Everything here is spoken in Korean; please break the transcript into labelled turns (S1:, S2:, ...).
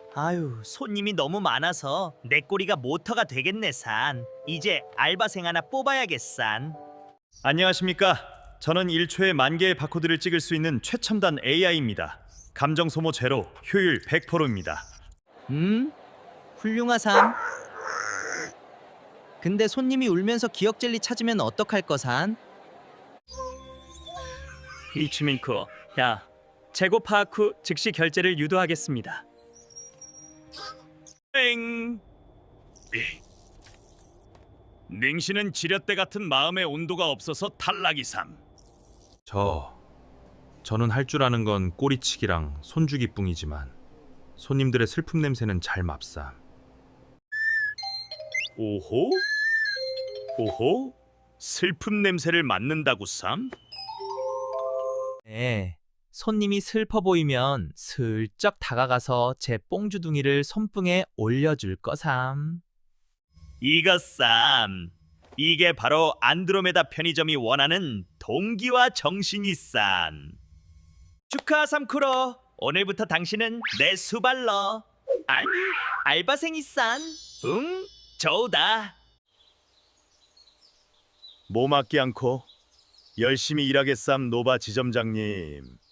S1: 아유, 손님이 너무 많아서 내 꼬리가 모터가 되겠네, 산. 이제 알바생 하나 뽑아야겠산.
S2: 안녕하십니까? 저는 1초에 10,000개의 바코드를 찍을 수 있는 최첨단 AI입니다. 감정 소모 제로, 효율 100%입니다.
S1: 훌륭하삼. 근데 손님이 울면서 기억 젤리 찾으면 어떡할 거산?
S3: 이치민코, 야, 재고 파악 후 즉시 결제를 유도하겠습니다.
S2: 땡. 냉시는 지렛대 같은 마음의 온도가 없어서 탈락이삼.
S4: 저는 할 줄 아는 건 꼬리치기랑 손주기뿐이지만 손님들의 슬픔 냄새는 잘 맙삼.
S2: 오호? 오호? 슬픔 냄새를 맡는다고 쌈?
S1: 네. 손님이 슬퍼 보이면 슬쩍 다가가서 제 뽕주둥이를 손등에 올려줄 거삼.
S2: 이것 쌈. 이게 바로 안드로메다 편의점이 원하는 동기와 정신이 쌈.
S1: 축하 삼쿠로. 오늘부터 당신은 내 수발러. 아니, 알바생이 싼. 응? 좋다.
S2: 몸 아끼 않고 열심히 일하겠삼 노바 지점장님.